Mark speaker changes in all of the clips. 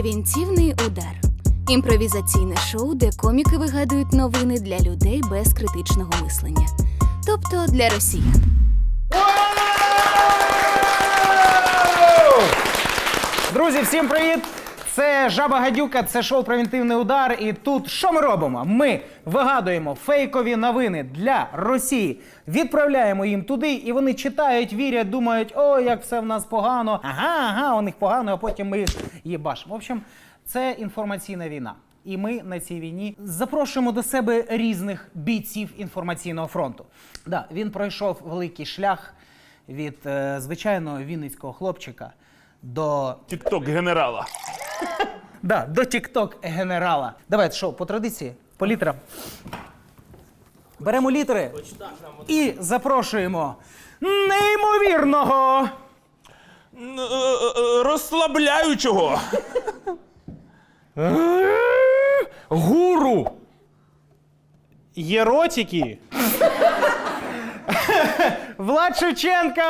Speaker 1: Превентивний удар. Імпровізаційне шоу, де коміки вигадують новини для людей без критичного мислення. Тобто для росіян.
Speaker 2: Друзі, всім привіт! Це Жаба Гадюка, це шоу «Превентивний удар». І тут що ми робимо? Ми вигадуємо фейкові новини для Росії, відправляємо їм туди, і вони читають, вірять, думають, о, як все в нас погано, ага, у них погано, а потім ми їх їбашимо. В общем, це інформаційна війна. І ми на цій війні запрошуємо до себе різних бійців інформаційного фронту. Да, він пройшов великий шлях від звичайного вінницького хлопчика до...
Speaker 3: Тік-ток-генерала.
Speaker 2: Да, до тік-ток-генерала. Давайте, що, по традиції, по літерам. Беремо літери і запрошуємо неймовірного...
Speaker 3: Розслабляючого.
Speaker 4: Гуру! Єротики!
Speaker 2: Влад Шевченка!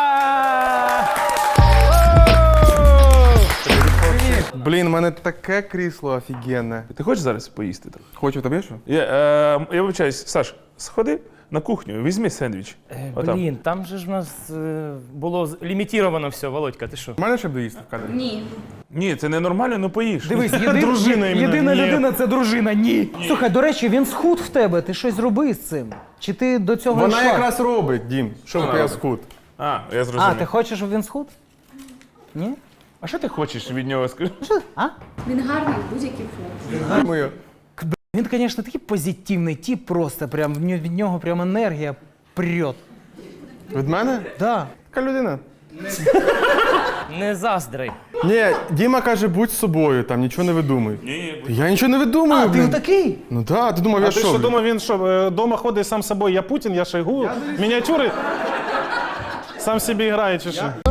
Speaker 5: Блін, у мене таке крісло офігенне.
Speaker 3: Ти хочеш зараз поїсти?
Speaker 5: Хочу, тобі що?
Speaker 3: Я вибачаюсь, Саш, сходи на кухню, візьми сендвіч. Отам.
Speaker 4: Блін, там же ж в нас було лімітовано все, Володька, ти що?
Speaker 5: У мене ще б доїсти в кадрі?
Speaker 3: Ні, це ненормально, ну поїж.
Speaker 2: Дивись,
Speaker 4: Дружина іменно.
Speaker 2: єдина
Speaker 4: Ні.
Speaker 2: людина – це дружина. Ні. Слухай, до речі, він схуд в тебе, ти щось зроби з цим? Чи ти до цього
Speaker 5: Вона
Speaker 2: йшла?
Speaker 5: якраз робить, Дім.
Speaker 3: Що
Speaker 5: поки
Speaker 3: вона
Speaker 5: я
Speaker 3: робить?
Speaker 5: схуд.
Speaker 3: А, я
Speaker 2: А,
Speaker 3: зрозумів.
Speaker 2: ти хочеш, щоб він схуд? Ні?
Speaker 3: А що ти хочеш від нього сказати?
Speaker 2: А?
Speaker 6: Він гарний в будь-якій формі.
Speaker 5: Моє.
Speaker 2: Він, звісно, такий позитивний тип просто, прям від нього прям енергія прет.
Speaker 5: Від мене?
Speaker 2: Да.
Speaker 5: Така людина.
Speaker 4: Не заздри.
Speaker 5: Ні, Діма каже, будь собою, там нічого не видумуй.
Speaker 3: Ні,
Speaker 5: Я нічого не видумую,
Speaker 2: А, ти
Speaker 5: блін.
Speaker 2: такий?
Speaker 5: Ну так, ти думав, я
Speaker 4: А ти
Speaker 5: що?
Speaker 4: що
Speaker 5: блін?
Speaker 4: думав, він що, дома ходить сам собою, я Путін, я Шойгу, мініатюри? Сам собі грає чи що?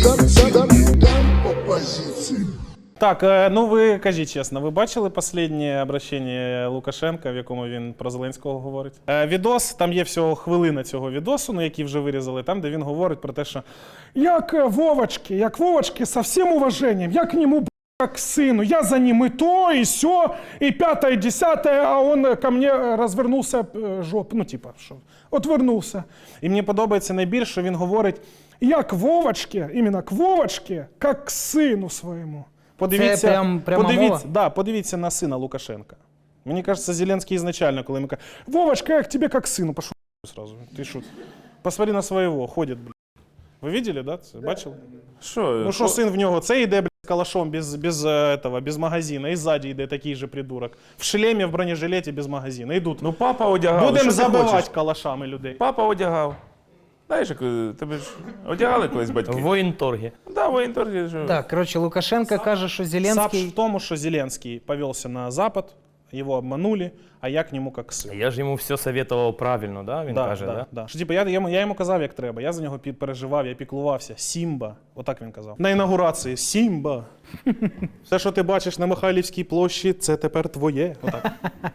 Speaker 4: Так, ну ви кажіть чесно, ви бачили останнє обращення Лукашенка, в якому він про Зеленського говорить? Відос, там є всього хвилина цього відосу, ну, який вже вирізали, там, де він говорить про те, що як Вовочки, со всім уваженням, я к нему, как к сыну, я за ним и то, и сё, и пятое, и десятое, а он ко мне розвернувся ну типа, що, отвернувся. І мені подобається найбільше, що він говорить, як Вовочки, іменно к Вовочки, як к сину своєму. Подивіться,
Speaker 2: пряма мова?
Speaker 4: подивіться на сина Лукашенка. Мені кажется, Зеленський ізначально, коли йому каже, Вовочка, я к тебе как к сину, пошел сразу, ти що, посмотри на своєго, ходить, блядь. Ви бачили, да? Це бачили?
Speaker 3: Що?
Speaker 4: Ну що син в нього, це йде, блядь, з калашом без магазина, і ззаді йде такий же придурок. В шлемі, в бронежилеті, без магазина. Йдуть.
Speaker 3: Ну папа одягав.
Speaker 4: Будемо
Speaker 3: що ти
Speaker 4: забивати
Speaker 3: хочеш?
Speaker 4: калашами людей.
Speaker 3: Папа одягав. Знаєш, як тебе ж одягали колись батьки?
Speaker 4: В воєнторгі.
Speaker 3: Да, воєнторгі. Що...
Speaker 2: Так, коротше, Лукашенко каже, що
Speaker 4: Сапш
Speaker 2: Зеленський...
Speaker 4: в тому, що Зеленський повелся на Запад, його обманули, а я к нему как сын.
Speaker 7: Я ж йому все советував правильно, да? Він каже, да?
Speaker 4: Да. Що, типу, я йому казав, як треба. Я за нього переживав, я піклувався. Сімба. Отак він казав. На інаугурації. Сімба. Все, що ти бачиш на Михайлівській площі, це тепер твоє. Отак.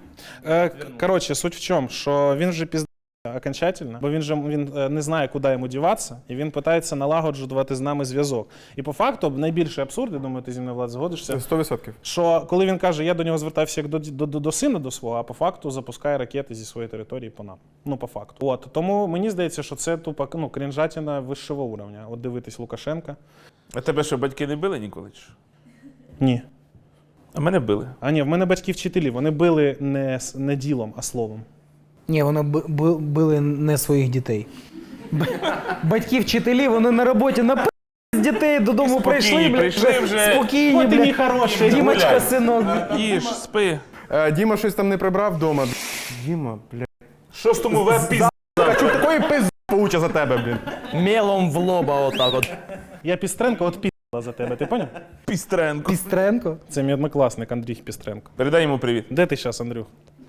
Speaker 4: Коротше, суть в чому, що він вже піздає окончательно, бо він не знає, куди йому діватися, і він питається налагоджувати з нами зв'язок. І по факту, найбільший абсурд, я думаю, ти зі мною, Влад, згодишся,
Speaker 5: 100%.
Speaker 4: що коли він каже, я до нього звертався як до сина до свого, а по факту запускає ракети зі своєї території по нам. Ну, по факту. От, тому мені здається, що це тупо, ну, крінжатіна вищого уровня. От дивитись Лукашенка.
Speaker 3: А тебе що, батьки не били ніколи? Чи що?
Speaker 4: Ні.
Speaker 3: А мене били.
Speaker 4: А ні, в мене батьки вчителі, вони били не ділом, а словом.
Speaker 2: Ні, вони били не своїх дітей. Батьки-вчителі, вони на роботі на з дітей додому
Speaker 3: Спокійні, прийшли вже.
Speaker 2: Спокійні,
Speaker 4: От і мій хороший,
Speaker 2: Дімочка,
Speaker 3: гуляй.
Speaker 2: синок.
Speaker 3: Їж, спи.
Speaker 5: Діма щось там не прибрав вдома. Діма, бля.
Speaker 3: Шостому веб-пізда.
Speaker 5: Хочу такої пизди получа за тебе, блін.
Speaker 7: Мелом в лоба отак от.
Speaker 4: Я Пістренко от пі***ла за тебе, ти поняв?
Speaker 3: Пістренко.
Speaker 2: Пістренко.
Speaker 4: Це мій однокласник Андрій Пістренко.
Speaker 3: Передай йому привіт.
Speaker 4: Де ти зараз, Андрюх?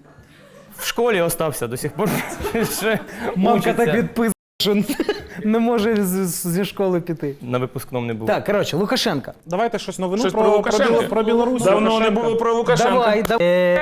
Speaker 7: В школі остався до сих пор. Ще
Speaker 2: Мамка
Speaker 7: учиться.
Speaker 2: так відписує, що не може зі школи піти.
Speaker 7: На випускному не був.
Speaker 2: Так, коротше, Лукашенко.
Speaker 4: Давайте щось новину
Speaker 3: Щось про Лукашенка.
Speaker 4: про Білорусь.
Speaker 3: Давно не
Speaker 4: Лукашенка.
Speaker 3: було про Лукашенка.
Speaker 2: Давай.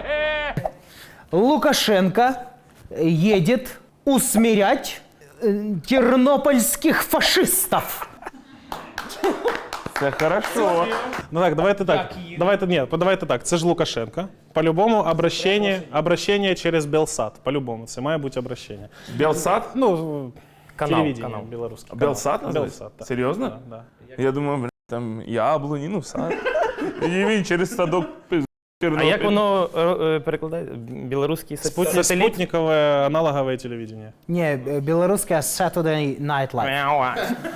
Speaker 2: Лукашенко едет усмирять тернопольских фашистов.
Speaker 3: Це хорошо.
Speaker 4: Ну так, давайте так. Давайте так. Це ж Лукашенко. По-любому обращення через Белсат. По-любому, це має бути обращення.
Speaker 3: Белсат?
Speaker 4: Ну,
Speaker 7: Канал.
Speaker 4: телевидение белорусское.
Speaker 3: Белсат називається?
Speaker 4: Белсат, так.
Speaker 3: Серйозно?
Speaker 4: Да.
Speaker 3: Я думав, бля, там яблуні, ну сад. І він через садок пиз.
Speaker 7: А як воно перекладається? Білоруський сателіт?
Speaker 4: Спутникове аналогове телевидение.
Speaker 2: Ні, білоруське Saturday Night Live.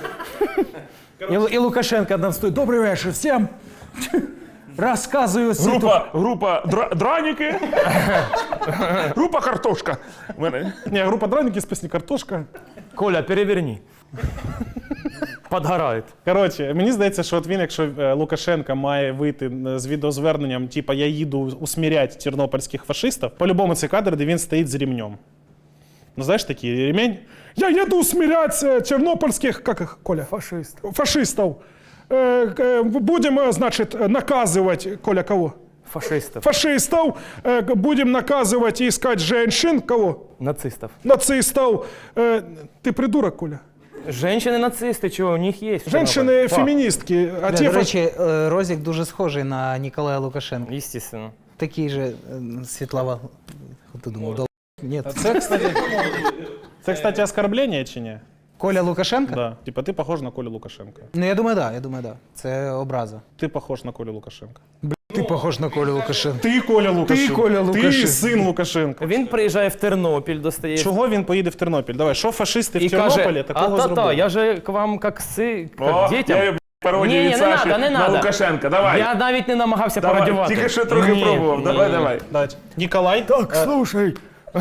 Speaker 2: І Лукашенко там стоїть. Добрий вечір всім. Розказую світу.
Speaker 3: Група драніки. Група картошка. У мене.
Speaker 4: Не, група драники з пісні «Картошка».
Speaker 7: Коля, переверни. Подгорает.
Speaker 4: Коротше, мені здається, що от він, якщо Лукашенко має вийти з відеозверненням, типа «я їду усміряти тернопільських фашистів», по-любому це кадр, де він стоїть з ремнем. Ну, знаєш, такий ремень? «Я їду усміряти тернопільських, як їх, Коля? Фашистів. Будемо, значить, наказувати, Коля, кого?
Speaker 7: Фашистов.
Speaker 4: Фашистов. Будем наказывать и искать женщин. Кого?
Speaker 7: Нацистов.
Speaker 4: Нацистов. Ты придурок, Коля.
Speaker 7: Женщины-нацисты, чего, у них есть.
Speaker 4: Женщины-феминистки. А
Speaker 2: До
Speaker 4: те
Speaker 2: речі, Розік дуже схожий на Ніколая Лукашенка.
Speaker 7: Естественно.
Speaker 2: Такий же світлова. Ти думав, ні.
Speaker 4: Це, кстати, оскорблення чи ні?
Speaker 2: Коля Лукашенка?
Speaker 4: Да. Типа, ти похож на Колю Лукашенка.
Speaker 2: Ну, я думаю, да. Це образа.
Speaker 4: Ти похож на Колю Лукашенка.
Speaker 2: Ти похож на Колю Лукашенка.
Speaker 4: Ти Коля Лукашенко.
Speaker 2: Коля Лукашенко.
Speaker 4: Ти син Лукашенка.
Speaker 7: Він приїжджає в Тернопіль, достає.
Speaker 4: Чого він поїде в Тернопіль? Давай, що фашисти
Speaker 7: І
Speaker 4: в Тернополі
Speaker 7: каже,
Speaker 4: такого
Speaker 7: а-та-та,
Speaker 4: зробили?
Speaker 7: я же к вам як
Speaker 3: О,
Speaker 7: к дітям.
Speaker 3: я пародію
Speaker 7: Ні,
Speaker 3: від
Speaker 7: не
Speaker 3: Саші
Speaker 7: надо, не
Speaker 3: на
Speaker 7: надо.
Speaker 3: Лукашенка. Давай.
Speaker 7: Я навіть не намагався
Speaker 3: Давай.
Speaker 7: пародювати.
Speaker 3: Тільки що трохи
Speaker 7: Ні,
Speaker 3: пробував.
Speaker 7: ні,
Speaker 3: Давай,
Speaker 7: ні.
Speaker 3: давай.
Speaker 4: Давайте. Ніколай? Так,
Speaker 7: Слушай,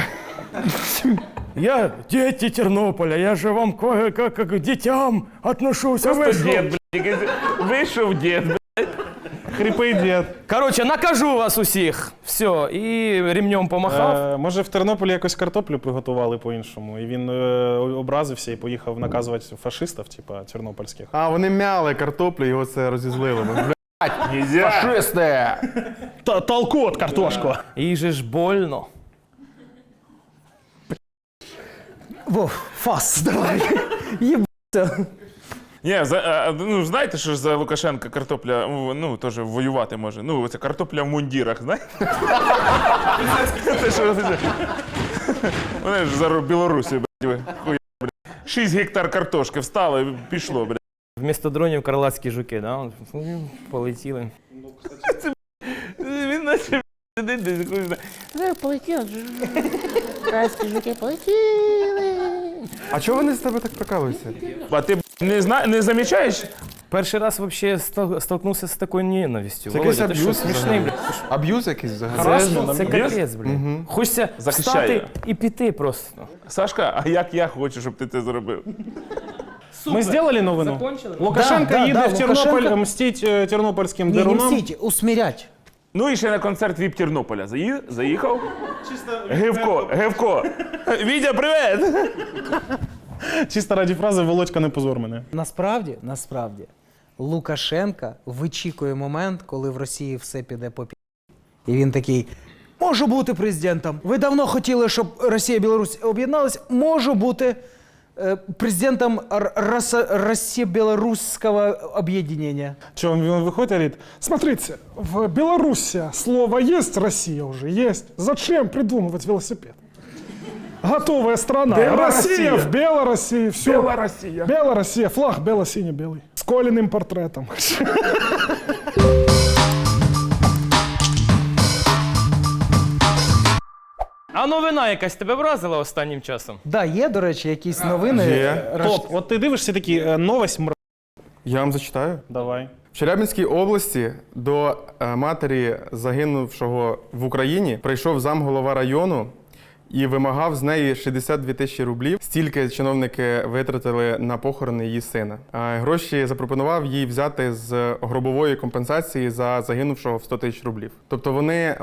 Speaker 7: я дети Тернополя, я же вам как к детям отношусь.
Speaker 3: Просто дід, блядь. Вийшов дід, блядь.
Speaker 4: хрипий дід.
Speaker 7: Короче, накажу вас усіх. Все, і ремнем помахав.
Speaker 4: Може в Тернополі якось картоплю приготували по-іншому, і він образився і поїхав наказувати фашистів, типа тернопільських.
Speaker 5: А, вони мяли картоплю, його це розізлило.
Speaker 3: Нельзя.
Speaker 5: Фашисти!
Speaker 4: Толку от картошку.
Speaker 7: І же ж больно.
Speaker 2: Вов, фас, давай. Єбаться.
Speaker 3: Ні, ну знаєте, що ж за Лукашенка картопля, ну, теж воювати може. Ну, це картопля в мундірах, знаєте? Це що це? Вони ж за Білорусі, блядь, хуя, блядь. 6 гектар картошки встало і пішло, блядь.
Speaker 7: Вмісто дронів крилатські жуки, да? Полетіли.
Speaker 3: Він наче сидить десь, хуй знає.
Speaker 8: Полетіли. Красні жуки полетіли.
Speaker 5: А чого вони з тебе так прикалуються?
Speaker 3: А ти не замічаєш?
Speaker 7: Перший раз вообще столкнувся з такою ненавистю.
Speaker 5: Це якийсь
Speaker 7: Володя, ти що,
Speaker 5: аб'юз
Speaker 7: смішний, блядь?
Speaker 5: Аб'юз якийсь взагалі?
Speaker 7: Це капець, блядь. Хочеться
Speaker 3: Захищає.
Speaker 7: встати і піти просто.
Speaker 3: Сашка, а як я хочу, щоб ти це зробив?
Speaker 4: Ми зробили новину? Лукашенко
Speaker 2: Да,
Speaker 4: їде
Speaker 2: да,
Speaker 4: в Тернополь
Speaker 2: Лукашенко-
Speaker 4: мстить тернопільським
Speaker 2: Ні, не
Speaker 4: дерунам.
Speaker 2: мстіть, усмірять.
Speaker 3: Ну і ще на концерт ВІП Тернополя. Заїхав? Гевко. Вітя, привіт!
Speaker 4: Чисто раді фрази «Володька, не позор мене».
Speaker 2: Насправді, Лукашенка вичікує момент, коли в Росії все піде по пі***. І він такий: можу бути президентом. Ви давно хотіли, щоб Росія і Білорусь об'єдналися. Можу бути президентом Росія-Білоруського об'єднання.
Speaker 4: Че, он выходит и говорит: смотрите, в Беларуси слово есть, Россия уже есть. Зачем придумывать велосипед? Готовая страна. Россия в Белоруссии, все.
Speaker 3: Белороссия.
Speaker 4: Белоруссия, флаг бело-синий-белый. С Колиным портретом.
Speaker 7: А новина якась тебе вразила останнім часом?
Speaker 2: Да, є, до речі, якісь новини.
Speaker 5: Є.
Speaker 4: Топ, от ти дивишся такі, новость
Speaker 5: Я вам зачитаю.
Speaker 4: Давай.
Speaker 5: В Челябинській області до матері загинувшого в Україні прийшов замголова району і вимагав з неї 62 тисячі рублів. Стільки чиновники витратили на похорони її сина. Гроші запропонував їй взяти з гробової компенсації за загинувшого в 100 тисяч рублів. Тобто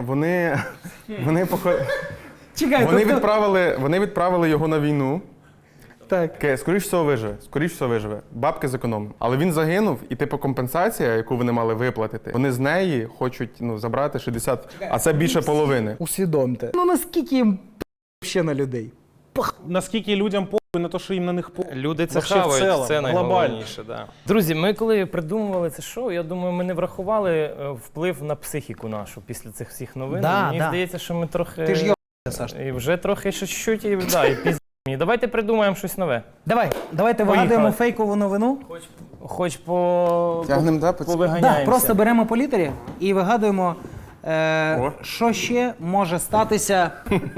Speaker 2: Чекай,
Speaker 5: вони відправили його на війну.
Speaker 2: Так.
Speaker 5: Скоріш всього виживе. Бабки зекономив. Але він загинув, і типу компенсація, яку вони мали виплатити, вони з неї хочуть забрати 60, а це більше половини.
Speaker 2: Усвідомте. Ну наскільки їм ще на людей?
Speaker 4: Наскільки людям на те, що їм на них по...
Speaker 9: Люди це
Speaker 4: Вообще в
Speaker 9: хавають,
Speaker 4: цілому,
Speaker 9: це
Speaker 4: глобально.
Speaker 9: найголовніше. Да. Друзі, ми коли придумували це шоу, я думаю, ми не врахували вплив на психіку нашу після цих всіх новин.
Speaker 2: Да,
Speaker 9: Мені
Speaker 2: да.
Speaker 9: здається, що ми трохи...
Speaker 2: Ти ж йобаєшся, Саш.
Speaker 9: І вже трохи чуть-чуть, і пізні. Давайте придумаємо щось нове.
Speaker 2: Давайте вигадуємо фейкову новину.
Speaker 9: Хоч по...
Speaker 5: Тягнем, да,
Speaker 9: повиганяємося.
Speaker 2: Да, просто беремо по літері і вигадуємо, що ще може статися.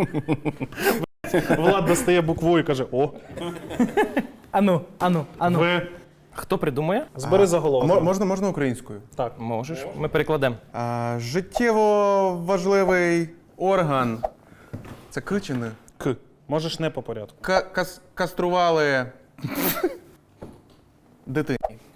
Speaker 4: Влад достає букву і каже: о,
Speaker 2: Ану.
Speaker 4: ви.
Speaker 9: Хто придумує?
Speaker 4: Збери заголовок.
Speaker 5: Можна українською?
Speaker 4: Так.
Speaker 9: Можеш. Ми перекладемо.
Speaker 5: Життєво важливий орган. Це К чи не?
Speaker 4: К. Можеш не по порядку.
Speaker 5: Кастрували дитині.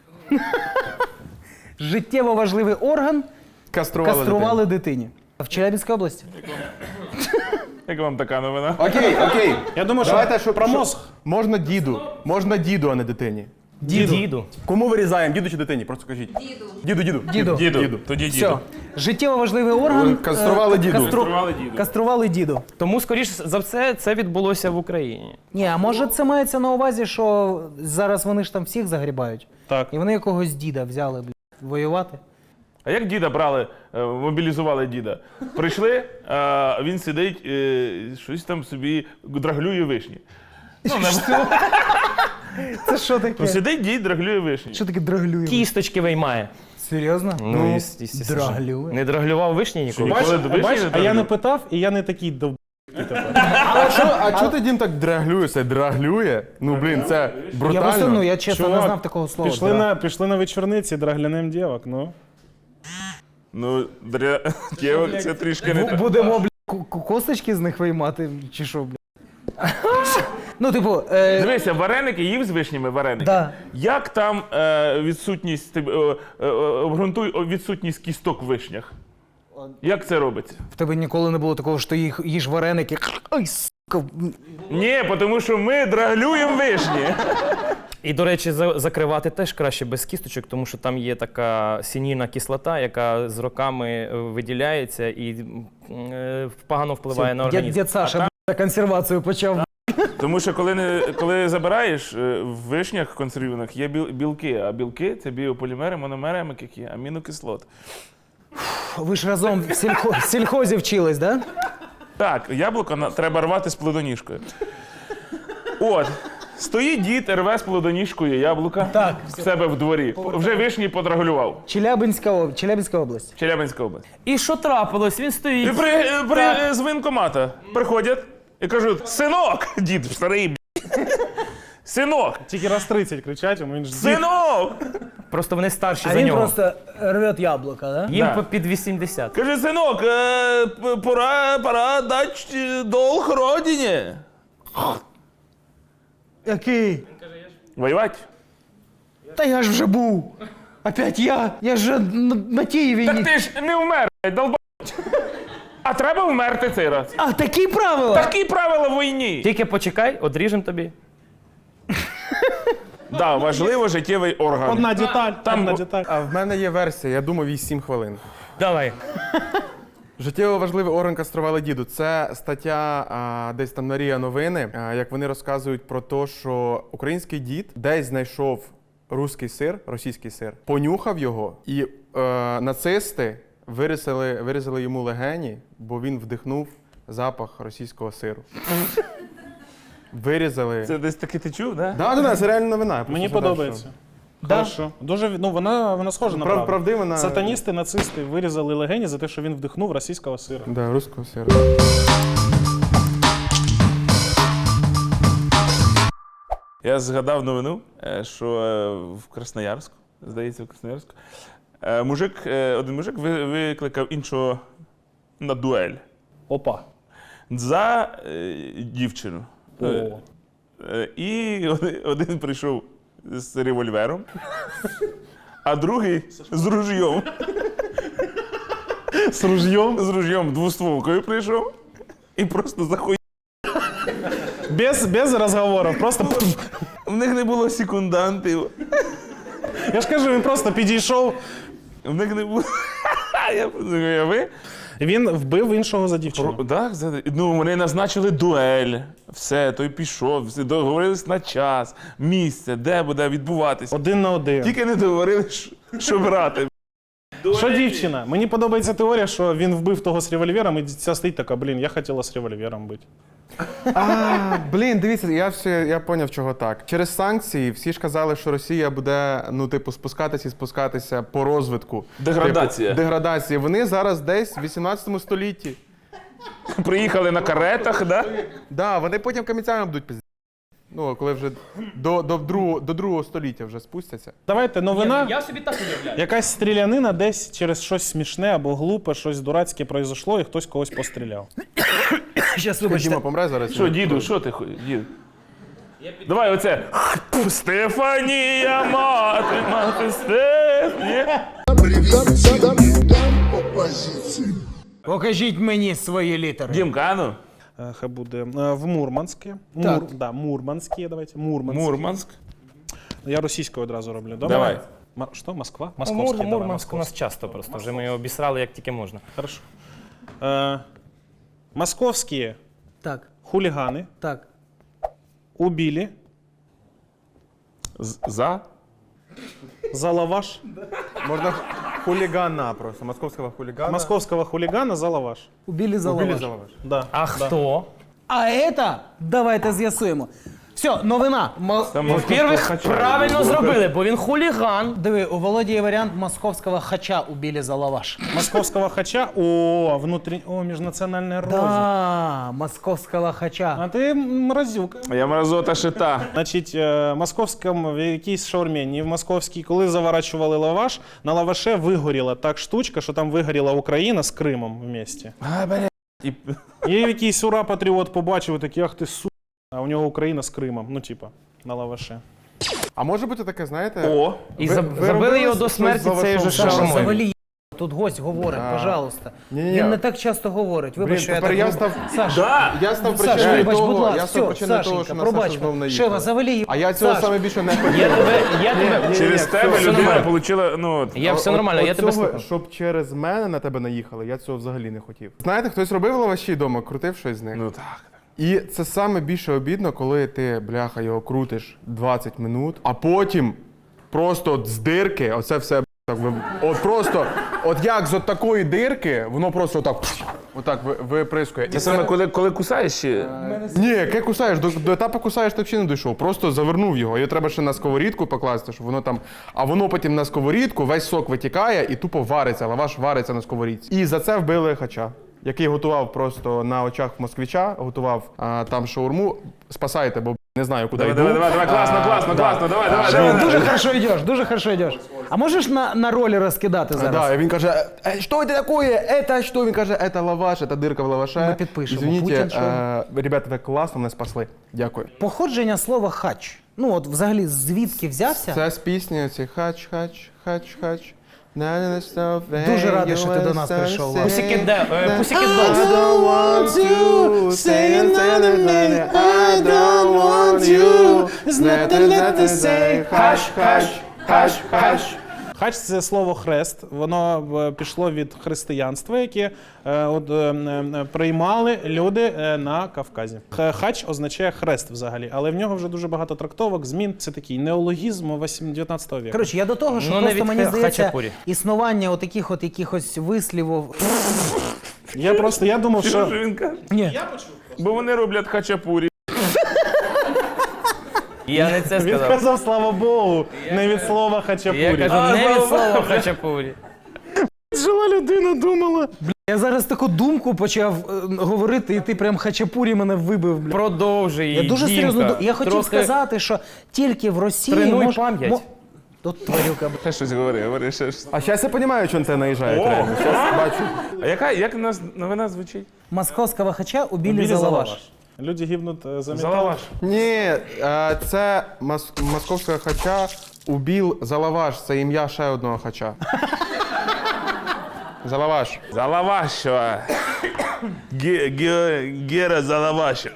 Speaker 2: Життєво важливий орган кастрували дитині. В Челябинській області.
Speaker 3: Як вам така новина?
Speaker 5: Окей.
Speaker 4: Я думаю,
Speaker 5: Давайте,
Speaker 4: що про мозг.
Speaker 5: Можна діду, а не дитині.
Speaker 9: Діду.
Speaker 5: Кому вирізаємо, діду чи дитині? Просто кажіть. Діду.
Speaker 3: Діду. Тоді
Speaker 2: Все.
Speaker 3: діду.
Speaker 2: Життєво важливий орган.
Speaker 5: Кастрували діду.
Speaker 2: Кастрували діду.
Speaker 9: Тому, скоріш за все, це відбулося в Україні.
Speaker 2: Ні, а може це мається на увазі, що зараз вони ж там всіх загрібають.
Speaker 4: Так.
Speaker 2: І вони якогось діда взяли, воювати.
Speaker 3: А як діда брали, мобілізували діда? Прийшли, а він сидить, щось там собі драглює вишні.
Speaker 2: Це що таке?
Speaker 3: Ну, сидить дід, драглює вишні.
Speaker 2: Що таке драглює?
Speaker 9: Кісточки виймає.
Speaker 2: Серйозно?
Speaker 9: Естественно.
Speaker 2: драглює.
Speaker 9: Не драглював вишні ніколи?
Speaker 3: Ніколи до вишні
Speaker 4: Бач,
Speaker 3: не
Speaker 4: а я не
Speaker 3: драглював?
Speaker 4: питав, і я не такий дов...
Speaker 5: А чого ти, Дім, так драглює? Це драглює? Ну, блін, це
Speaker 2: Я
Speaker 5: брутально.
Speaker 2: просто, я чесно не
Speaker 4: Чувак,
Speaker 2: знав такого слова.
Speaker 4: Пішли на вечорниці, драглянем дівок, ну.
Speaker 3: Ну, дівок це трішки не так.
Speaker 2: Будемо, косточки з них виймати, чи що, Ну, типу,
Speaker 3: Дивися, вареники їв з вишнями вареники.
Speaker 2: Да.
Speaker 3: Як там відсутність, обґрунтуй відсутність кісток в вишнях? Як це робиться?
Speaker 2: в тебе ніколи не було такого, що ти їж вареники. Ай, сука.
Speaker 3: Ні, тому що ми драглюємо вишні.
Speaker 9: І, до речі, закривати теж краще без кісточок, тому що там є така сінільна кислота, яка з роками виділяється і погано впливає на організм.
Speaker 2: Дід Саша консервацію почав.
Speaker 3: Тому що коли забираєш, в вишнях консервованих є білки, а білки – це біополімери, мономери, амінокислот.
Speaker 2: Ви ж разом в сільхозі вчились, да?
Speaker 3: Так, яблуко треба рвати з плодоніжкою. От, стоїть дід, рве з плодоніжкою яблука
Speaker 2: Так.
Speaker 3: в себе в дворі. Вже вишні подраглював.
Speaker 2: Челябинська область.
Speaker 3: Челябинська область.
Speaker 9: І що трапилось? Він
Speaker 3: І
Speaker 9: стоїть.
Speaker 3: з воєнкомата приходять і кажуть: синок! Дід старий, синок!
Speaker 4: Тільки раз 30 кричать, йому він ж дід.
Speaker 3: Синок!
Speaker 9: Просто вони старші
Speaker 2: А
Speaker 9: за
Speaker 2: він
Speaker 9: нього.
Speaker 2: просто рвет яблука, да?
Speaker 9: Їм
Speaker 3: Да.
Speaker 9: під 80.
Speaker 3: Каже: синок, пора дати долг родині.
Speaker 2: Який?
Speaker 3: Воювати?
Speaker 2: Та я ж вже був. Опять я. Я ж на тій війні.
Speaker 3: Так ти ж не вмер, долба. А треба вмерти цей раз.
Speaker 2: А, такі правила?
Speaker 3: Такі правила в війні.
Speaker 9: Тільки почекай, одріжемо тобі.
Speaker 3: Да, важливо життєвий орган.
Speaker 4: Одна деталь, одна деталь.
Speaker 5: А в мене є версія, я думав, їй 7 хвилин.
Speaker 9: Давай.
Speaker 5: Життєво важливий орган кастрували діду. Це стаття десь там на РІА Новини, як вони розказують про те, що український дід десь знайшов російський сир, понюхав його, і нацисти вирізали йому легені, бо він вдихнув запах російського сиру. Вирізали.
Speaker 3: Це десь таки ти чув, да?
Speaker 5: Да, це реальна новина. я просто
Speaker 4: Мені
Speaker 5: згадав,
Speaker 4: подобається.
Speaker 2: Да.
Speaker 4: Хорошо. Дуже, вона схожа на правду.
Speaker 5: Правдива на...
Speaker 4: Сатаністи, нацисти вирізали легені за те, що він вдихнув російського сира.
Speaker 5: Да, руського сиру.
Speaker 3: Я згадав новину, що в Красноярську, здається, в Красноярську, один мужик викликав іншого на дуель
Speaker 4: Опа.
Speaker 3: за дівчину.
Speaker 4: О.
Speaker 3: І один прийшов з револьвером, а другий з ружьом.
Speaker 4: З ружьом?
Speaker 3: З ружьом двостволкою прийшов і просто захуй.
Speaker 4: Без розговорів, просто...
Speaker 3: В них не було секундантів.
Speaker 4: Я ж кажу, він просто підійшов.
Speaker 3: В них не було. Я уяви.
Speaker 4: Він вбив іншого за дівчину.
Speaker 3: Так, ну вони назначили дуель, все, той пішов, всі договорились на час, місце, де буде відбуватися.
Speaker 4: 1 на 1.
Speaker 3: Тільки не договорили, що брати.
Speaker 4: Що дівчина? Мені подобається теорія, що він вбив того з револьвером, і ця стоїть така, блін, я хотіла з револьвером бути.
Speaker 5: Блін, дивіться, я поняв, чого так. Через санкції всі ж казали, що Росія буде, ну, типу, спускатися по розвитку.
Speaker 3: Деградація.
Speaker 5: Типу, деградація. Вони зараз десь в 18 столітті.
Speaker 3: Приїхали на каретах, да?
Speaker 5: Да, вони потім камінцями будуть пізді. Ну, коли вже до другого століття вже спустяться.
Speaker 4: Давайте, новина.
Speaker 9: Я собі так уявляю.
Speaker 4: Якась стрілянина десь через щось смішне або глупе, щось дурацьке произошло, і хтось когось постріляв.
Speaker 2: Щас,
Speaker 5: Діма помре зараз.
Speaker 3: Що, діду, що ти ходиш? Дід? Давай оце. Стефанія, мати Стефанія.
Speaker 2: Покажіть мені свої літери.
Speaker 3: Дімка, а ну?
Speaker 4: Хай буде в Мурманське.
Speaker 2: Так.
Speaker 4: Мурманське, давайте. Мурманське.
Speaker 3: Мурманськ.
Speaker 4: Я російською одразу роблю, добре?
Speaker 3: Давай.
Speaker 4: Що, Москва?
Speaker 9: Московський,
Speaker 4: давай,
Speaker 9: Мурманськ у нас часто просто. Вже ми його обісрали як тільки можна.
Speaker 4: Хорошо. Московские
Speaker 2: Так,
Speaker 4: хулиганы
Speaker 2: так.
Speaker 4: убили
Speaker 3: За?
Speaker 4: за лаваш.
Speaker 5: Можна хулігана просто, московського хулігана.
Speaker 4: Московского хулигана за лаваш.
Speaker 2: Убили за лаваш.
Speaker 4: Да.
Speaker 9: А хто?
Speaker 2: А это, давайте з'ясуємо. Все, новина.
Speaker 9: Во-первых, правильно зробили, бо він хуліган.
Speaker 2: Диви, у Володі є варіант московського хача убили за лаваш.
Speaker 4: Московского хача. Межнациональная рознь.
Speaker 2: Да, московського хача.
Speaker 4: А ти мразюка.
Speaker 3: Я мразота шита.
Speaker 4: Значить, в московському, в якійсь шаурмені, в московській, коли заворачували лаваш, на лаваше вигоріла так штучка, що там вигоріла Україна з Кримом в місті. І якийсь ура-патріот побачив, такий, ах ти су. А у нього Україна з Кримом, ну типа, на лаваше.
Speaker 5: А може бути таке, знаєте?
Speaker 3: О!
Speaker 9: І
Speaker 5: Ви
Speaker 9: забили
Speaker 5: робили
Speaker 9: його до
Speaker 5: щось
Speaker 9: смерті
Speaker 5: з
Speaker 9: цією же
Speaker 5: лавашом?
Speaker 2: Саша,
Speaker 9: шаурмою.
Speaker 2: завалі. Тут гость говорить, пожалуйста.
Speaker 5: Ні-ні.
Speaker 2: Він не так часто говорить. Вибач,
Speaker 5: Блін,
Speaker 2: що я
Speaker 5: тепер
Speaker 2: так
Speaker 5: я
Speaker 2: роблю.
Speaker 5: став...
Speaker 2: Саша,
Speaker 5: Я став
Speaker 2: Саша,
Speaker 5: причиною
Speaker 2: вибач, будь
Speaker 5: того,
Speaker 2: ласка,
Speaker 5: я став
Speaker 2: все,
Speaker 5: причиною того,
Speaker 2: Сашенька,
Speaker 5: що на
Speaker 2: пробач.
Speaker 5: Сашу знов наїхав.
Speaker 2: Шева, завалі.
Speaker 5: А я цього
Speaker 2: Саш,
Speaker 5: саме більше не хотів.
Speaker 9: Я тебе...
Speaker 3: Через тебе
Speaker 9: все
Speaker 3: людина
Speaker 9: нормально.
Speaker 3: отримала, ну...
Speaker 9: Я все нормально, я тебе
Speaker 5: Оцього,
Speaker 9: слухаю.
Speaker 5: щоб через мене на тебе наїхали, я цього взагалі не хотів. Знаєте, хтось робив лаваші вдома, крутив щось з них?
Speaker 3: Ну так.
Speaker 5: І це саме більше обідно, коли ти, бляха, його крутиш 20 минут, а потім просто от з дирки, оце все, так, от просто, от як з от такої дирки, воно просто отак виприскує.
Speaker 3: Це саме коли кусаєш ще...
Speaker 5: Ні, яке кусаєш, до етапу кусаєш, ти взагалі не дійшов. Просто завернув його. Його треба ще на сковорідку покласти, щоб воно там. А воно потім на сковорідку, весь сок витікає і тупо вариться, лаваш вариться на сковорідці. І за це вбили хача, який готував просто на очах москвича, готував там шаурму. Спасайте, бо не знаю, куди йду.
Speaker 3: Давай, класно, давай.
Speaker 2: Дуже хорошо йдеш. А можеш на ролі розкидати зараз?
Speaker 5: Да, і він каже, що це таке? Это що? Він каже, це лаваш, це дирка в лаваше.
Speaker 2: Ми підпишемо.
Speaker 5: Извините,
Speaker 2: Путін, що?
Speaker 5: ребята, ви класно мене спасли. Дякую.
Speaker 2: Походження слова хач. Ну от взагалі звідки взявся?
Speaker 5: Це з пісні оці хач.
Speaker 2: Дуже радий, що ти до нас прийшов.
Speaker 9: Pussycat Dolls.
Speaker 5: I don't want to say anything. I don't want you. It's nothing left to say. Hush.
Speaker 4: Хач – це слово хрест. Воно пішло від християнства, яке приймали люди на Кавказі. Хач означає хрест взагалі, але в нього вже дуже багато трактовок, змін. Це такий неологізм 19 віку.
Speaker 2: Коротше, я до того, що
Speaker 9: Ну, не
Speaker 2: просто
Speaker 9: від
Speaker 2: мені здається,
Speaker 9: хачапурі.
Speaker 2: існування отаких от якихось вислівів.
Speaker 4: Я думав,
Speaker 3: Що
Speaker 4: що...
Speaker 3: він каже?
Speaker 2: Ні.
Speaker 3: Бо вони роблять хачапурі.
Speaker 9: Я не це
Speaker 4: Він
Speaker 9: сказав.
Speaker 4: сказав, слава Богу, не від слова
Speaker 9: Я
Speaker 4: хачапурі.
Speaker 9: кажу, не від слова хачапурі.
Speaker 4: Жила людина, думала.
Speaker 2: Я зараз таку думку почав говорити, і ти прям хачапурі мене вибив. Бля.
Speaker 9: Продовжуй її,
Speaker 2: Я дуже
Speaker 9: Дімка.
Speaker 2: серйозно. Я хотів
Speaker 9: Трохи
Speaker 2: сказати, що тільки в Росії
Speaker 9: Тренуй пам'ять.
Speaker 2: Тут тварюка.
Speaker 3: Ще щось говори ще щось.
Speaker 5: А зараз я розумію, що на це наїжджає. реально. Щас бачу.
Speaker 3: А як у нас новина звучить?
Speaker 2: Московського хача убили
Speaker 4: Білі
Speaker 2: за
Speaker 4: за
Speaker 2: лаваш.
Speaker 4: лаваш. Люди гибнуть за
Speaker 3: За
Speaker 4: метал.
Speaker 3: лаваш.
Speaker 5: Ні, це московського хача убив за лаваш. Це ім'я ще одного хача. За лаваш.
Speaker 3: За лавашева. Гера за лавашем.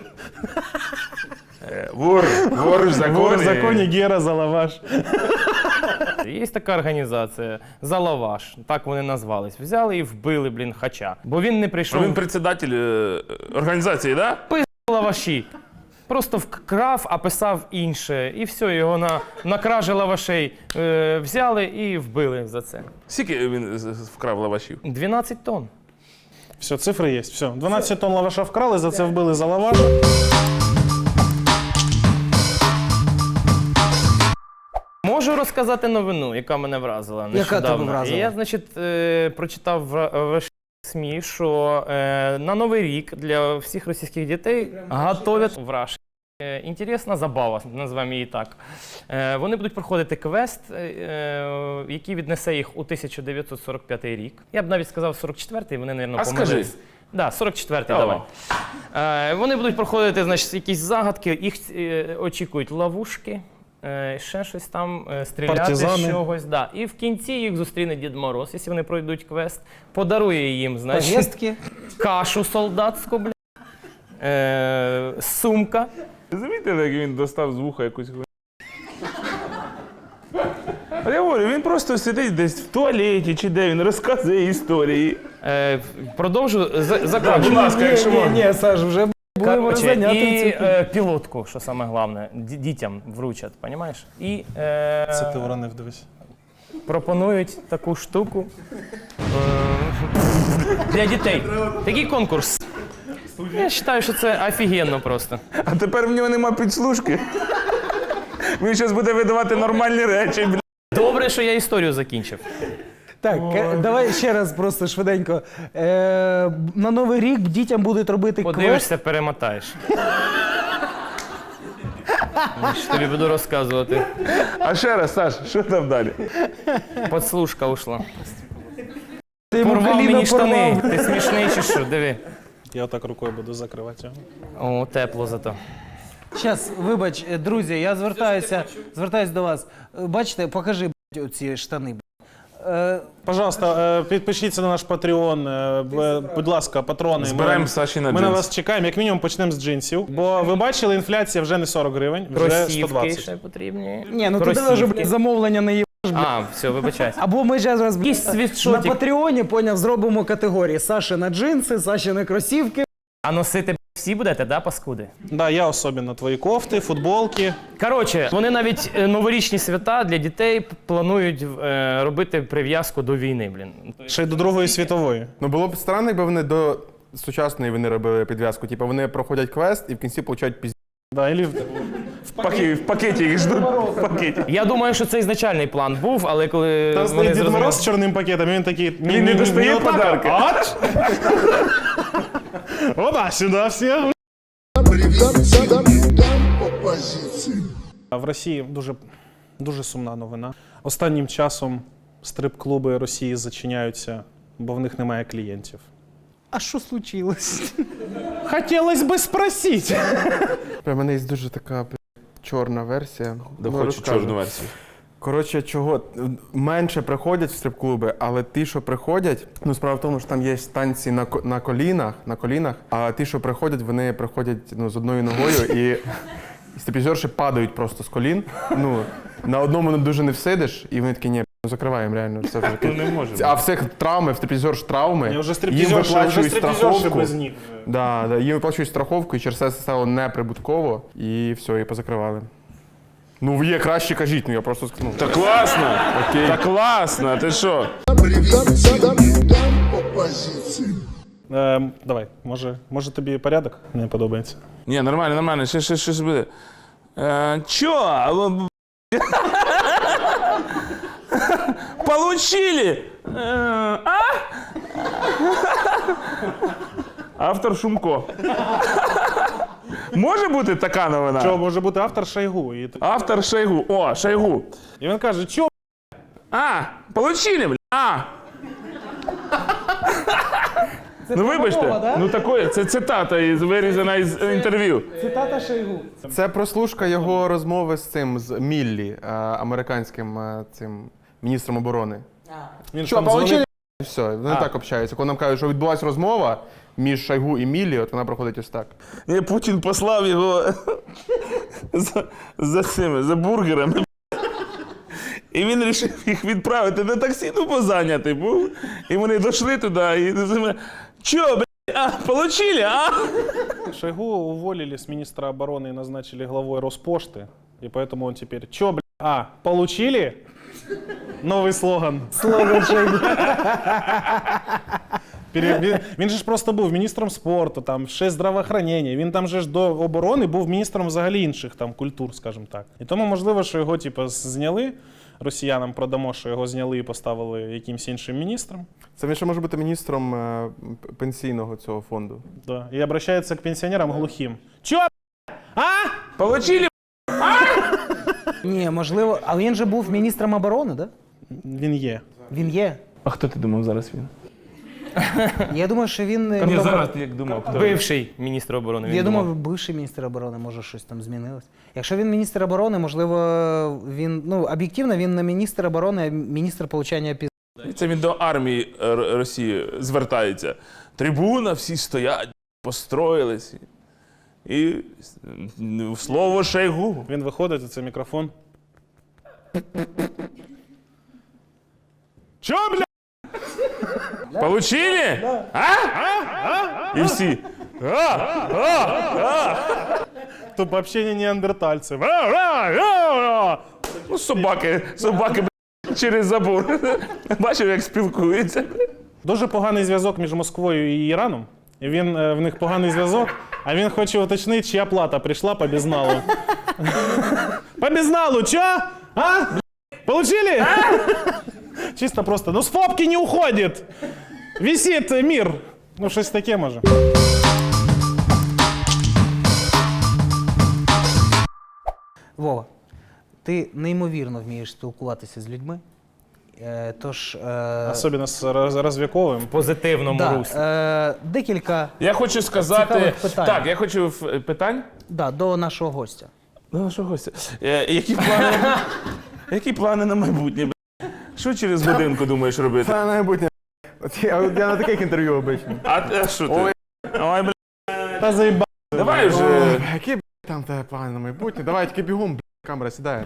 Speaker 3: Вор в законі.
Speaker 4: Вор в законі, Гера за лаваш.
Speaker 9: Є така організація «За лаваш», так вони назвались. Взяли і вбили, блін, Хача. Бо він не прийшов.
Speaker 3: Він председатель організації, да?
Speaker 9: Лаваші. Просто вкрав, а писав інше. І все, його на кражі лавашей взяли і вбили за це.
Speaker 3: Скільки він вкрав лавашів?
Speaker 9: 12 тонн.
Speaker 4: Все, цифри є. Все. 12 тонн лаваша вкрали, за це вбили за лаваш.
Speaker 9: Можу розказати новину, яка мене вразила нещодавно.
Speaker 2: тебе вразила?
Speaker 9: Я, значить, прочитав в СМІ, що на Новий рік для всіх російських дітей готовять в Раші. Інтересна забава, називаємо її так. Вони будуть проходити квест, який віднесе їх у 1945 рік. Я б навіть сказав 44-й, вони, мабуть, помилились. Да, 44-й, давай. Вони будуть проходити, значить, якісь загадки, їх очікують ловушки, ще щось там, стріляти
Speaker 4: Партизани.
Speaker 9: з чогось. Да. І в кінці їх зустріне Дід Мороз, якщо вони пройдуть квест, подарує їм, значить,
Speaker 2: Повістки.
Speaker 9: кашу солдатську, бля, сумка.
Speaker 3: Замітили, як він достав з вуха якусь хуйню? А я говорю, він просто сидить десь в туалеті чи де, він розказує історії.
Speaker 9: Продовжу закінчу.
Speaker 3: Будь ласка, якщо можна.
Speaker 2: Ні, Саш, вже були
Speaker 9: Короче,
Speaker 2: зайняті
Speaker 9: і
Speaker 2: цим.
Speaker 9: пілотку, що саме головне, дітям вручать, розумієш? І
Speaker 4: Це ти уронив, дивись.
Speaker 9: пропонують таку штуку для дітей. Такий конкурс. Я вважаю, що це офігенно просто.
Speaker 3: А тепер в нього нема підслужки. Він зараз буде видавати нормальні речі, бля.
Speaker 9: Добре, що я історію закінчив.
Speaker 2: Так, давай ще раз просто швиденько. На Новий рік дітям будуть робити квест.
Speaker 9: Подивишся, перемотаєш. Що тобі буду розказувати.
Speaker 3: А ще раз, Саш, що там далі?
Speaker 9: Подслушка ушла.
Speaker 2: Ти йому
Speaker 9: Порвав
Speaker 2: коліно
Speaker 9: мені штани.
Speaker 2: порвав.
Speaker 9: Ти смішний чи що? Диви.
Speaker 4: Я отак рукою буду закривати його.
Speaker 9: О, тепло зато.
Speaker 2: Щас, вибач, друзі, я звертаюся до вас. Бачите, покажи, блядь, оці штани.
Speaker 4: Пожалуйста, підпишіться на наш Patreon. Будь ласка, патрони.
Speaker 3: Збираємо Саші на
Speaker 4: Ми на
Speaker 3: джинс.
Speaker 4: вас чекаємо. Як мінімум почнемо з джинсів. Бо ви бачили, інфляція вже не 40 гривень, вже
Speaker 9: Кросівки
Speaker 4: 120.
Speaker 9: ще потрібні.
Speaker 2: Ні, ну туди вже, блядь, замовлення не є.
Speaker 9: А, все, вибачайся.
Speaker 2: Або ми зараз
Speaker 9: Якийсь
Speaker 2: на
Speaker 9: світшотик.
Speaker 2: Патреоні, поняв, зробимо категорії. Саші на джинси, Саші на кросівки.
Speaker 9: А носити всі будете, да, паскуди?
Speaker 4: Да, я особливо твої кофти, футболки.
Speaker 9: Коротше, вони навіть новорічні свята для дітей планують робити прив'язку до війни, блін.
Speaker 4: Ще й до Другої світової.
Speaker 5: Ну було б странно, якби вони до сучасної війни робили підв'язку. Типу вони проходять квест і в кінці получають пізді.
Speaker 4: Да, і
Speaker 3: В пакеті їх ждуть. В пакеті.
Speaker 9: Я думаю, що це ізначальний план був, але коли
Speaker 4: там
Speaker 9: вони
Speaker 4: стоїть Дід
Speaker 9: зрозуміли...
Speaker 4: Мороз з чорним пакетом, і він такий...
Speaker 3: Він не достає
Speaker 4: отак,
Speaker 3: подарки.
Speaker 4: а от. Опа, сюди всі. В Росії дуже сумна новина. Останнім часом стрип-клуби Росії зачиняються, бо в них немає клієнтів.
Speaker 2: А що случилось?
Speaker 4: Хотілося би спросити.
Speaker 5: У мене є дуже така чорна версія.
Speaker 3: Да,
Speaker 5: Ну,
Speaker 3: хочу
Speaker 5: розкажу.
Speaker 3: чорну версію.
Speaker 5: Коротше, чого менше приходять в стрип-клуби, але ті, що приходять, ну справа в тому, що там є танці на колінах, а ті, що приходять, вони приходять з одною ногою і стриптизерші падають просто з колін. Ну, на одному дуже не всидиш, і вони такі, ні, закриваємо реально. Це вже
Speaker 3: Ну не може.
Speaker 5: а всіх травми, в стриптизерш травми,
Speaker 4: Вже
Speaker 5: їм виплачують страховку.
Speaker 4: без ніг.
Speaker 5: Да, їм виплачують страховку, і через це стало неприбутково, і все, і позакривали. Ну, є краще, кажіть, ну я просто скажу.
Speaker 3: Та класно! Та класно, ти що?
Speaker 4: Давай, може тобі порядок не подобається?
Speaker 3: Ні, нормально, ще щось буде. Чо? Получили? Автор Шумко. Може бути така новина?
Speaker 4: Що, може бути автор Шойгу.
Speaker 3: Автор Шойгу. О, Шойгу.
Speaker 4: І він каже, що?
Speaker 3: Получили, бля. Ну вибачте,
Speaker 2: да?
Speaker 3: ну такое, це цитата вирізана із інтерв'ю.
Speaker 2: Цитата Шойгу.
Speaker 5: Це прослушка його розмови з Міллі, американським цим міністром оборони.
Speaker 4: Він
Speaker 5: Що,
Speaker 4: там
Speaker 5: получили? Все, вони так общаються. Коли нам кажуть, що відбулася розмова між Шойгу і Міллі, от вона проходить ось так.
Speaker 3: Ні, Путін послав його за бургерами. І він вирішив їх відправити на таксі, ну, бо зайнятий був. І вони дійшли туди, і чо, блядь, а, получили, а?
Speaker 4: Шойгу уволили с министра обороны и назначили главой Роспошты. И поэтому он теперь, чё, бля, а, получили? Новый слоган.
Speaker 2: Слоган Шойгу.
Speaker 4: Він же ж просто був міністром спорту, там, ще здравоохранення. Він там же ж до оборони був міністром взагалі інших там культур, скажімо так. І тому можливо, що його типу, зняли, росіянам продамо, що його зняли і поставили якимсь іншим міністром.
Speaker 5: Це він ще може бути міністром пенсійного цього фонду.
Speaker 4: Да. І обращається к пенсіонерам глухим. Чо, бля? А?
Speaker 3: Получили,
Speaker 2: Ні, можливо, але він же був міністром оборони, да?
Speaker 4: Він є.
Speaker 2: Він є.
Speaker 3: А хто ти думав зараз він?
Speaker 2: Я думаю, що він...
Speaker 3: Ні, зараз ти як думав, хто?
Speaker 9: Бивший міністр оборони.
Speaker 2: Я
Speaker 9: він
Speaker 2: думав, бивший міністр оборони, може щось там змінилось. Якщо він міністр оборони, можливо, він, ну, об'єктивно, він не міністр оборони, а міністр получання піз...
Speaker 3: І це він до армії Росії звертається. Трибуна, всі стоять, построїлись. І слово Шойгу.
Speaker 4: Він виходить, і це мікрофон.
Speaker 3: Чо, бля? Получили? А? І всі.
Speaker 4: Тут общення неандертальців.
Speaker 3: Ну, собаки, бля, через забор. Бачив, як спілкуються.
Speaker 4: Дуже поганий зв'язок між Москвою і Іраном. І він, в них поганий зв'язок, а він хоче уточнити, чия плата прийшла по безналу. По безналу, чо? А? Получили? Чисто просто, ну с фобки не уходит. Висит мир. Ну, щось таке може.
Speaker 2: Вова, ти неймовірно вмієш спілкуватися з людьми. Тож...
Speaker 4: Особливо з розв'яковим.
Speaker 9: позитивному руслі.
Speaker 2: Декілька
Speaker 3: Я хочу сказати...
Speaker 2: цікавих питань.
Speaker 3: Так, я хочу... Питань?
Speaker 2: Да, до нашого гостя.
Speaker 3: До нашого гостя. Які плани на майбутнє, бля? Що через годинку думаєш робити?
Speaker 5: Це майбутнє. Я на таких інтерв'ю обично.
Speaker 3: А що ти? Ой, бля.
Speaker 4: Та заїба.
Speaker 3: Давай вже...
Speaker 5: Які там тебе плани на майбутнє? Давай тільки бігом, камера сідає.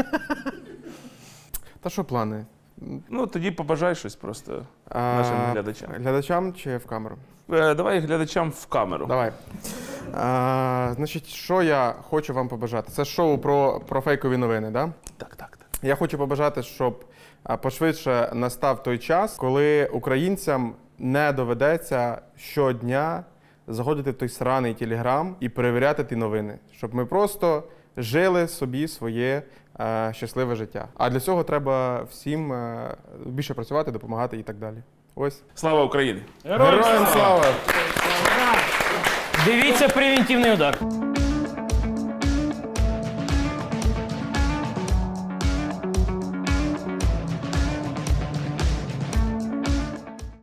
Speaker 5: Та що плани?
Speaker 3: Ну, тоді побажай щось просто нашим глядачам.
Speaker 5: Глядачам чи в камеру?
Speaker 3: Давай глядачам в камеру.
Speaker 5: Давай. Значить, що я хочу вам побажати? Це шоу про фейкові новини, да?
Speaker 3: Так.
Speaker 5: Я хочу побажати, щоб пошвидше настав той час, коли українцям не доведеться щодня заходити в той сраний телеграм і перевіряти ті новини. Щоб ми просто жили собі своє щасливе життя. А для цього треба всім більше працювати, допомагати і так далі. Ось.
Speaker 3: Слава Україні!
Speaker 5: Героям слава!
Speaker 9: Дивіться «Превентивний удар».